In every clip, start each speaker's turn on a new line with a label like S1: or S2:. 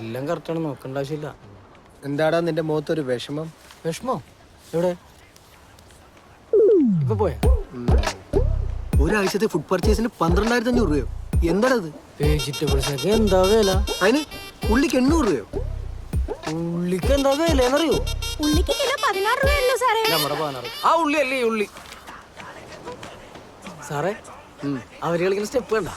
S1: എല്ലാം കറക്റ്റാണ്, നോക്കേണ്ട ആവശ്യമില്ല.
S2: എന്താടാ നിന്റെ മുഖത്തൊരു വിഷമം?
S1: വിഷമോ? എവിടെ? ഇപ്പൊ പോയ
S2: ഒരാഴ്ചത്തെ ഫുഡ് പർച്ചേസിന് 12,500 രൂപയോ? എന്താണത്?
S1: വെജിറ്റബിൾസ് ഒക്കെ എന്താ വില?
S2: അതിന് ഉള്ളിക്ക് 800 രൂപയോ?
S1: ഉള്ളിക്ക് എന്താ വില എന്നറിയോ?
S3: ഉള്ളിക്ക് കിലോ 16 രൂപയല്ലോ സാറേ.
S1: നമ്മുടെ 16. ആ ഉള്ളി അല്ലേ ഈ ഉള്ളി. സാറേ അവര് കളിക്കുന്ന സ്റ്റെപ്പ് കണ്ട?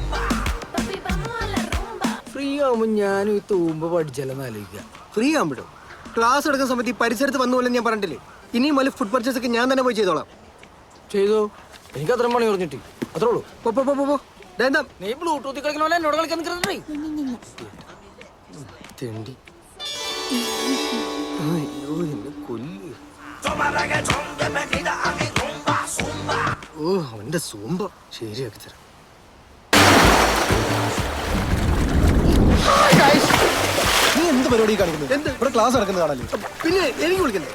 S1: ഫ്രീ ആവുമ്പോ ഞാനും ഈ തൂമ്പ പഠിച്ചാലെന്ന് ആലോചിക്കുക.
S2: ഫ്രീ ആകുമ്പോഴും ക്ലാസ് എടുക്കുന്ന സമയത്ത് ഈ പരിസരത്ത് വന്നു പോലെ ഞാൻ പറഞ്ഞില്ലേ, ഇനിയും വലിയ ഫുഡ് പർച്ചേസ് ഒക്കെ ഞാൻ തന്നെ പോയി ചെയ്തോളാം.
S1: ചെയ്തോ, എനിക്ക് അത്ര മണി പറഞ്ഞിട്ട് അത്രേ ഉള്ളൂ. നീ ബ്ലൂടൂത്തിൽ കളിക്കണ പോലെ എന്നോട് കളിക്കാൻ നിൽക്കുന്നേ.
S2: തെണ്ടി. അയ്യോ എന്നെ കൊല്ലു. ഓ അവന്റെ സൂമ്പ ശരിയാക്കി തരാം.
S4: നീ എന്ത് പരിപാടി കാണിക്കുന്നത്? ഇവിടെ ക്ലാസ് നടക്കുന്നത് കാണല്ലേ?
S2: പിന്നെ എനിക്ക് വിളിക്കുന്നത്.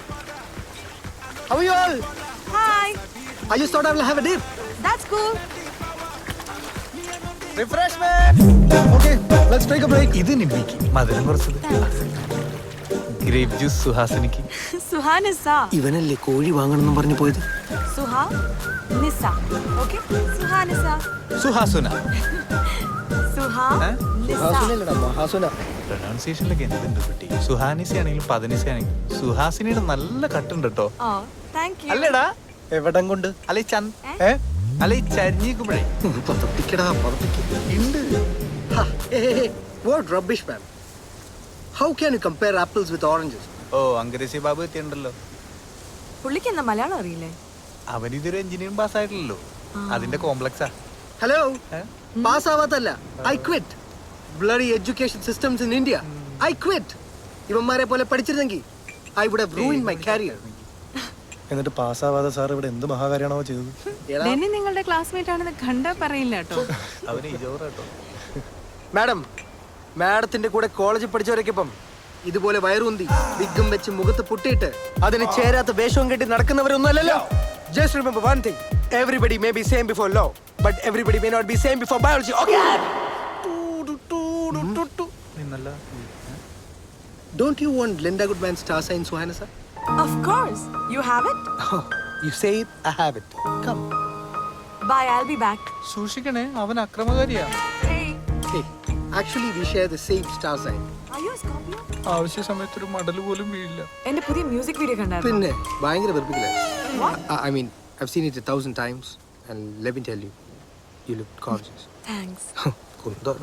S3: Hi.
S2: I just thought I will have a dip.
S3: That's cool.
S4: Okay, let's take a break.
S5: ഇത് നിമ്മിക്ക് മധുരം കുറച്ചത്. ഗ്രേപ്പ് ജ്യൂസ് സുഹാസിനിക്ക്.
S3: Suhanisa.
S2: ഇവനല്ലേ കോഴി വാങ്ങണമെന്നും പറഞ്ഞു പോയത്?
S3: Suhanisa. Okay? Suhanisa.
S5: സുഹാസുന.
S3: Suhanisa.
S2: മഹാസുന.
S5: പ്രൊനൗൺസിയേഷനിലൊക്കെ എന്തുണ്ട് കുട്ടി? സുഹാനിസ ആണെങ്കിലും പതിനിസ ആണെങ്കിലും സുഹാസിനിയുടെ നല്ല കട്ടുണ്ട് കേട്ടോ.
S3: Oh, thank you.
S5: അല്ലേടാ?
S4: എവിടം കൊണ്ട്?
S5: അല്ലെ അല്ലെ ചരിഞ്ഞിക്കുമ്പോഴേ
S2: പതപ്പിക്കടാ പതപ്പിക്ക.
S5: ഉണ്ട്.
S2: What rubbish, man. How can you compare apples with oranges?
S5: ഓ അങ്കരേശി ബാബു എത്തിയുണ്ടല്ലോ.
S3: പുള്ളിക്ക് എന്താ മലയാളം അറിയില്ലേ?
S5: അവനിതൊരു എഞ്ചിനീയറിംഗ് പാസ്സായിട്ടില്ലല്ലോ, അതിന്റെ കോംപ്ലക്സാ.
S2: ഹലോ, പാസ് ആവാത്തല്ല, I quit. Bloody education systems in India. I quit. ഇവന്മാരെ പോലെ പഠിച്ചിരുന്നെങ്കിൽ I would have ruined my career.
S4: എന്നിട്ട് പാസ്സാവാതെ സാർ ഇവിടെ എന്ത് മഹാകാര്യാണോ ചെയ്തത്?
S3: ഡെന്നി നിങ്ങളുടെ ക്ലാസ്മേറ്റ് ആണെന്ന് കണ്ടാ പറയില്ല കേട്ടോ.
S5: അവന് ഇജോറാട്ടോ.
S2: മാഡത്തിന്റെ കൂടെ കോളേജിൽ പഠിച്ചവരൊക്കെ ഇപ്പം ഇതുപോലെ വയറുന്തി വിഗും വെച്ച് മുഖത്ത് പൊട്ടിയിട്ട് അതിന് ചേരാത്ത വേഷവും കെട്ടി നടക്കുന്നവരൊന്നും അല്ലല്ലോ. Just remember one thing. Everybody may be same before law, but everybody may not be same before biology. Okay?
S5: നിന്നല്ല.
S2: Don't you want Linda Goodman's star sign, Suhanisa?
S3: Of course. You have it?
S2: Oh, you say it, I have it. Come.
S3: Bye, I'll be back.
S5: സൂക്ഷിക്കണേ, അവൻ അക്രമകാരിയാ.
S3: Hey.
S2: Hey, actually we share the same star sign.
S3: Are you a Scorpio?
S5: ആവശ്യ സമയത്ത് ഒരു മടല് പോലും വീഴില്ല.
S3: എന്റെ പുതിയ music video കണ്ടായിരുന്നു.
S2: പിന്നെ ഭയങ്കര വെറുപ്പിക്കലായിരുന്നു. I mean, I've seen it 1,000 times and let me tell you, you look gorgeous.
S3: Thanks.
S2: കുന്തോളം.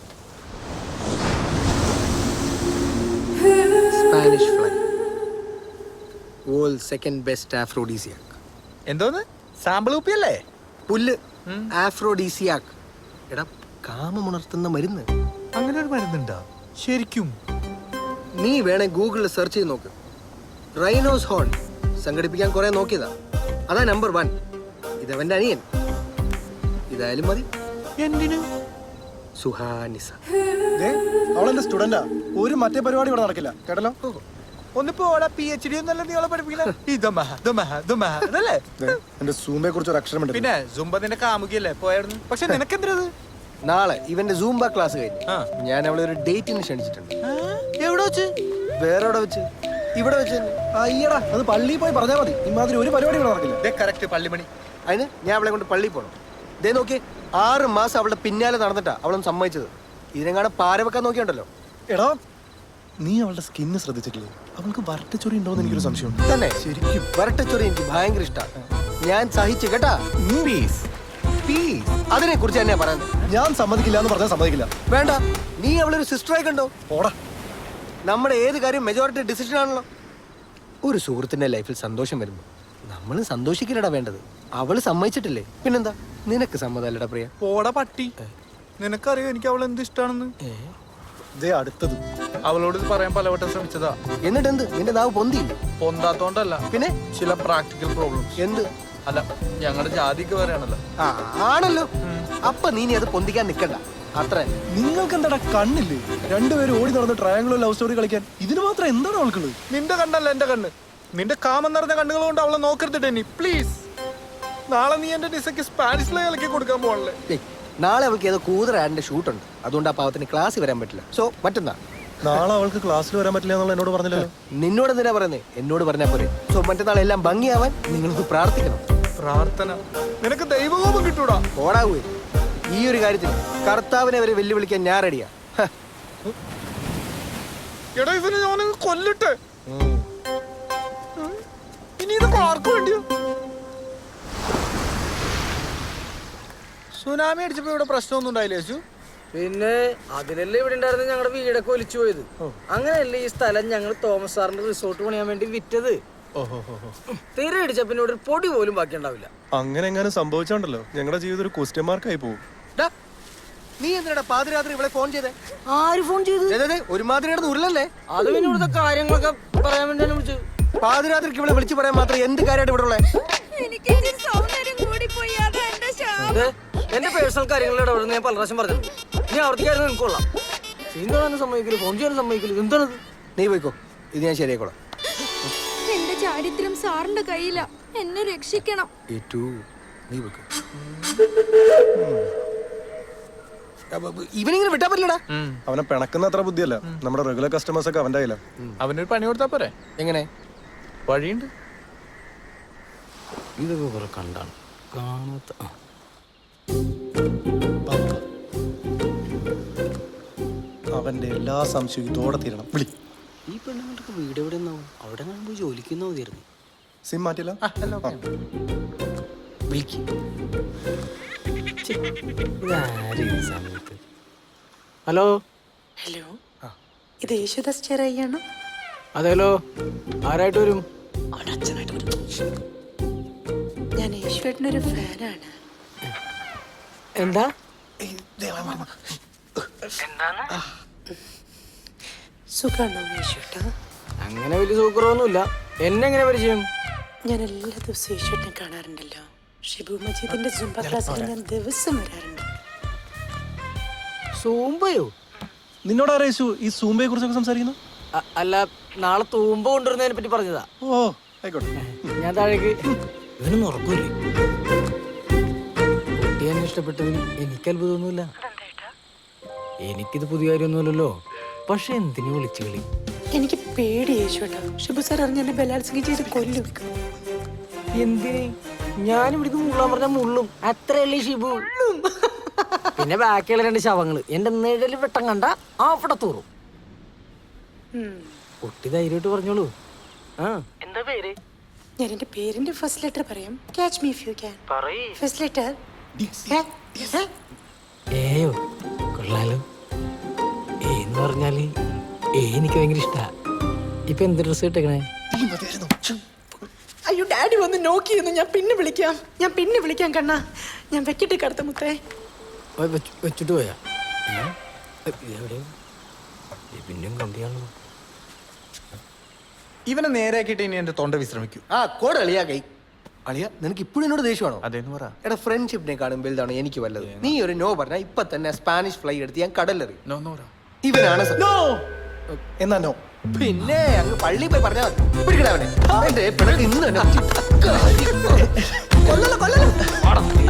S2: Spanish fly. World's second best aphrodisiac.
S5: എന്തോന്ന്? സാമ്പിൾ കുപ്പിയല്ലേ?
S2: പുല്ല്. Aphrodisiac. എടാ കാമമുണർത്തുന്ന മരുന്ന്.
S5: അങ്ങനെ ഒരു മരുന്നുണ്ടോ ശരിക്കും?
S2: നീ വേണേ ഗൂഗിളിൽ സെർച്ച് ചെയ്ത് നോക്ക്. റൈനോസ് ഹോൺ സംഘടിപ്പിക്കാൻ കുറെ നോക്കിയതാ. അതാ നമ്പർ 1. ഇതവന്റെ അനിയൻ. ഇതായാലും മതി.
S5: എന്തിനു?
S2: സുഹാനിസ.
S4: അവളെന്റെ സ്റ്റുഡന്റാ. ഒരു മറ്റേ പരിപാടി ഇവിടെ നടക്കില്ല കേട്ടല്ലോ.
S5: ഒന്നിപ്പോ PhD ഒന്നല്ല നീളെ പഠിപ്പിക്കില്ല.
S4: എന്റെ സൂമയെ കുറിച്ച് ഒരു അക്ഷരം ഉണ്ട്.
S5: പിന്നെ സുംബ നിന്റെ കാമുകിയല്ലേ പോയായിരുന്നു. പക്ഷെ നിനക്കെന്തത്?
S2: നാളെ ഇവന്റെ സൂംബ ക്ലാസ് കഴിഞ്ഞു ഞാൻ അവളെ ഒരു ഡേറ്റിന് ക്ഷണിച്ചിട്ടുണ്ട്.
S5: എവിടെ വെച്ച്?
S2: വേറെ എവിടെ വെച്ച്? ഇവിടെ വെച്ച്.
S4: അയ്യടാ, അത് പള്ളിയിൽ പോയി പറഞ്ഞാൽ മതി. ഇമാതിരി ഒരു പരിപാടി ഇവിടെ നടക്കില്ല.
S5: കറക്റ്റ് പള്ളിമണി.
S2: അതിന് ഞാൻ അവളെ കൊണ്ട് പള്ളിയിൽ പോകണം. ദേ നോക്കി 6 മാസം അവളുടെ പിന്നാലെ നടന്നിട്ടാ അവളൊന്ന് സമ്മതിച്ചത്. ഇതിനെങ്ങാണ് പാര വെക്കാൻ നോക്കിയുണ്ടല്ലോ.
S4: എടാ, നീ അവളുടെ സ്കിന്ന് ശ്രദ്ധിച്ചിട്ടില്ലേ? അവൾക്ക് വരട്ടച്ചൊറി ഉണ്ടോന്ന് എനിക്കൊരു സംശയമുണ്ട്.
S2: തന്നെ ശരിക്കും വരട്ടച്ചൊറി എനിക്ക് ഭയങ്കര ഇഷ്ടമാണ്. ഞാൻ സഹിച്ചു കേട്ടാ. അതിനെ കുറിച്ച് തന്നെയാ പറയുന്നത്.
S4: ഞാൻ സമ്മതിക്കില്ല എന്ന് പറഞ്ഞാൽ സമ്മതിക്കില്ല.
S2: വേണ്ട, നീ അവളൊരു സിസ്റ്ററായി കണ്ടോ.
S4: ഓടാ.
S2: നമ്മുടെ ഏത് കാര്യം മെജോറിറ്റി ഡിസിഷൻ ആണല്ലോ. ഒരു സുഹൃത്തിന്റെ ലൈഫിൽ സന്തോഷം വരുമ്പോ നമ്മൾ സന്തോഷിക്കില്ലടാ വേണ്ടത്. അവള് സമ്മതിച്ചിട്ടില്ലേ, പിന്നെന്താ? നിനക്ക് സമ്മതല്ലടാ പ്രിയ.
S5: പോടാ പട്ടി. നിനക്കറിയോ എനിക്ക് അവൾ എന്ത് ഇഷ്ടാണെന്ന്?
S4: അടുത്തത്
S5: അവളോട് ഇത് പറയാൻ പലവട്ടം ശ്രമിച്ചതാ.
S2: എന്നിട്ട് എന്ത്? നിന്റെ നാവ് പൊന്തിയില്ല?
S5: പൊന്താത്തോണ്ടല്ല,
S2: പിന്നെ
S5: ചില പ്രാക്ടിക്കൽ പ്രോബ്ലംസ്.
S2: എന്ത്?
S5: അല്ല, ഞങ്ങളുടെ ജാതിക്ക് പറയാണല്ലോ.
S2: ആണല്ലോ. അപ്പൊ നീ അത് പൊന്തിക്കാൻ നിക്കണ്ട. അത്ര.
S4: നിങ്ങൾക്ക് എന്താടാ കണ്ണില്ലേ? രണ്ടുപേരും ഓടി നടന്ന് ട്രയാങ്കിൾ ലവ് സ്റ്റോറി കളിക്കാൻ. ഇതിന് മാത്രം എന്താണ് അവൾക്കുള്ളത്?
S5: നിന്റെ കണ്ണല്ല എന്റെ കണ്ണ്. നിന്റെ കാമം നിറഞ്ഞ കണ്ണുകൾ കൊണ്ട് അവളെ നോക്കരുത് ഡെന്നി, പ്ലീസ്. നാളെ നീ എന്റെ ഡിസക്ക് സ്പാനിഷിലെ കളിക്കാൻ കൊടുക്കാൻ പോകണല്ലേ?
S2: നാളെ അവൾക്ക് ഏതോ കൂതറ ആഡിന്റെ ഷൂട്ടുണ്ട്. അതുകൊണ്ട് ആ പാവത്തിന് ക്ലാസ് വരാൻ പറ്റില്ല. സോ മറ്റന്നാ
S4: നാളെ അവൾക്ക് ക്ലാസ്സിൽ വരാൻ പറ്റില്ല എന്നുള്ള എന്നോട് പറഞ്ഞില്ലല്ലോ.
S2: നിന്നോട് എന്തിനാ പറയുന്നേ? എന്നോട് പറഞ്ഞാ പോരെ. സോ മറ്റന്നാൾ എല്ലാം ഭംഗിയാവാൻ നിങ്ങളൊന്ന് പ്രാർത്ഥിക്കണം.
S5: പ്രാർത്ഥന നിനക്ക് ദൈവകോപം കിട്ടൂടാ.
S2: ഓടാവൂ. ഈ ഒരു കാര്യത്തിൽ കർത്താവിനെ വരെ വെല്ലുവിളിക്കാൻ ഞാൻ റെഡിയാ.
S5: എടാ ഇവന് ഞാൻ കൊല്ലട്ടെ. ഇനി ഇതൊക്കെ ആർക്കു വേണ്ടിയോ? സുനാമി അടിച്ചപ്പോ ഇവിടെ പ്രശ്നമൊന്നും ഉണ്ടായില്ലേ യേശു?
S1: പിന്നെ അതിലല്ലേ ഇവിടെ ഉണ്ടായിരുന്ന ഞങ്ങളുടെ വീടൊക്കെ ഒലിച്ചു പോയത്. അങ്ങനെയല്ലേ ഈ സ്ഥലം ഞങ്ങൾ തോമസ് സാറിന്റെ റിസോർട്ട് പണിയാൻ വേണ്ടി വിറ്റത്. തീരെ അടിച്ച പിന്നെ ഇവിടെ ഒരു പൊടി പോലും ബാക്കി ഉണ്ടാവില്ല.
S4: അങ്ങനെ എങ്ങനെ സംഭവിച്ചോണ്ടല്ലോ ഞങ്ങളുടെ ജീവിതം ഒരു ക്വസ്റ്റ്യൻ മാർക്കായി പോകും.
S2: ഡാ, നീ എന്തിനാ പാതിരാത്രി ഇവിടെ ഫോൺ ചെയ്തേ?
S1: ആര് ഫോൺ ചെയ്തു?
S2: ഒരുമാതിരി കിടന്ന് ഉരുളല്ലേ?
S1: അത് പിന്നെ ഇവിടുത്തെ കാര്യങ്ങളൊക്കെ പറയാൻ വേണ്ടിയാണ് വിളിച്ചത്.
S2: പാതിരാത്രിക്ക് ഇവിടെ വിളിച്ചു പറയാൻ മാത്രം എന്ത് കാര്യമായിട്ട് ഇവിടെ ഉള്ളേ?
S1: എന്റെ പേഴ്സണൽ കാര്യങ്ങളിൽ ഇടപെടുന്ന ഞാൻ പല പ്രാവശ്യം പറഞ്ഞിട്ടുണ്ട്. നീ ആവർത്തിക്കായിരുന്നു എനിക്ക് കൊള്ളാം. സീൻ കാണാനും സമ്മതിക്കില്ല, ഫോൺ ചെയ്യാനും സമ്മതിക്കില്ല. എന്താണത്?
S2: നീ പോയിക്കോ, ഇത് ഞാൻ ശരിയാക്കോളാം.
S6: എന്റെ ചാരിത്രം സാറിന്റെ കയ്യില, എന്നെ രക്ഷിക്കണം.
S2: നീ പോയിക്കോ. ഇവനിങ്ങനെ വിട്ടാ പറ്റില്ലടാ.
S4: അവനെ പിണക്കുന്ന അത്ര ബുദ്ധിയല്ല. നമ്മുടെ റെഗുലർ കസ്റ്റമേഴ്സ് ഒക്കെ അവന്റെ കയ്യില.
S5: അവനൊരു പണി കൊടുത്താ പോരെ?
S2: എങ്ങനെ?
S5: വഴിയുണ്ട്.
S1: ഇതൊക്കെ കുറെ കണ്ടാണ് കാണാത്ത.
S4: അവന്റെ എല്ലാ സംശയവും ഇതോടെ തീരണം. വിളി.
S1: ഈ പെണ്ണുങ്ങൾക്ക് വീട് എവിടെ നിന്നാവും? അവിടെ പോയി ജോലിക്കുന്ന മതിയായിരുന്നു.
S4: സിം മാറ്റില്ല.
S1: ഹലോ
S7: ഹലോ, ഇത് യേശുദാസ് ചെറിയാണോ?
S1: അതേലോ, ആരായിട്ട് വരും?
S7: അവൻ അച്ഛനായിട്ട് വരും. ഞാൻ യേശുവേട്ടനൊരു ഫാനാണ്.
S1: എന്താ?
S7: സുഖാണോ യേശുവേട്ടാ?
S1: അങ്ങനെ വലിയ സൂക്കറൊന്നുമില്ല. എന്നെ എങ്ങനെ പരിചയം?
S7: ഞാൻ എല്ലാ ദിവസവും യേശുവേട്ടനെ കാണാറുണ്ടല്ലോ. ഷിബു മജീദിന്റെ സുംബ ക്ലാസ്സിൽ ഞാൻ ദിവസം വരാറുണ്ട്.
S1: സൂമ്പയോ?
S4: നിന്നോട് ആരാ യേശു ഈ സൂമ്പയെ കുറിച്ചൊക്കെ സംസാരിക്കുന്നു?
S1: അല്ല, നാളെ തൂമ്പ കൊണ്ടുവരുന്നതിനെ പറ്റി പറഞ്ഞതാ.
S4: ഓ ആയിക്കോട്ടെ.
S1: ഞാൻ താഴേക്ക്. ഇവനൊന്നും ഉറക്കൂലേ? കുട്ടി എന്നെ ഇഷ്ടപ്പെട്ടതിൽ എനിക്ക് അത്ഭുതമൊന്നുമില്ല. എനിക്കിത് പുതിയ കാര്യമൊന്നുമില്ലല്ലോ. പക്ഷെ എന്തിനു വിളിച്ചു കളി?
S7: എനിക്ക് പേടി യേശുവേട്ടാ. ഷിബു സാർ അറിഞ്ഞ എന്നെ ബലാത്സംഗം ചെയ്ത് കൊല്ലും.
S1: എന്തിന്? ഞാനിവിടുന്ന് മുള്ളാൻ പറഞ്ഞ മുള്ളും. അത്രയല്ലേ ഷിബു? പിന്നെ ബാക്കിയുള്ള 2 ശവങ്ങള് എന്റെ നിഴല് വെട്ടം കണ്ട അവിടെ തൂറും. കുട്ടി ധൈര്യമായിട്ട് പറഞ്ഞോളൂ. എന്താ പേര്?
S7: ഞാൻ എന്റെ പേരിന്റെ ഫസ്റ്റ് ലെറ്റർ പറയാം. Catch me if you can. First letter
S1: ഏയോ. കൊള്ളാലോ. എന്ന് പറഞ്ഞാല് എനിക്ക് ഭയങ്കര ഇഷ്ടാ. ഇപ്പൊ എന്ത് ഡ്രസ് ഇട്ടേക്കണേ?
S7: അയ്യോ, ഡാഡി വന്ന് നോക്കിയിരുന്നു. ഞാൻ പിന്നെ വിളിക്കാം കണ്ണാ. ഞാൻ വെക്കിട്ട് കടത്ത മുത്തേ.
S1: വെച്ചിട്ട് പോയാ? എവിടെയോ പിന്നെയും കണ്ടിയാണല്ലോ.
S5: ഇവനെ നേരെയാക്കിയിട്ട് ഇനി എന്റെ തൊണ്ട വിശ്രമിക്കൂ.
S2: കോട് അളിയാ കൈ. അളിയ, നിനക്ക് ഇപ്പോഴും എന്നോട് ദേഷ്യമാണോ?
S5: അതേന്ന് പറ.
S2: എടാ, ഫ്രണ്ട്ഷിപ്പിനെ കാണും വലുതാണ് എനിക്ക് വല്ലത്. നീ ഒരു നോ പറഞ്ഞാൽ ഇപ്പൊ തന്നെ സ്പാനിഷ് ഫ്ലൈ എടുത്ത് ഞാൻ കടലെറി. ഇവനാണ്
S4: എന്നാ നോ.
S2: പിന്നെ അങ്ങ് പള്ളി പോയി പറഞ്ഞാൽ മതി. പിടിക്കടാ അവനെ. എന്റെ പിണക്ക് ഇന്ന് തന്നെ. കൊല്ലല്ലോ.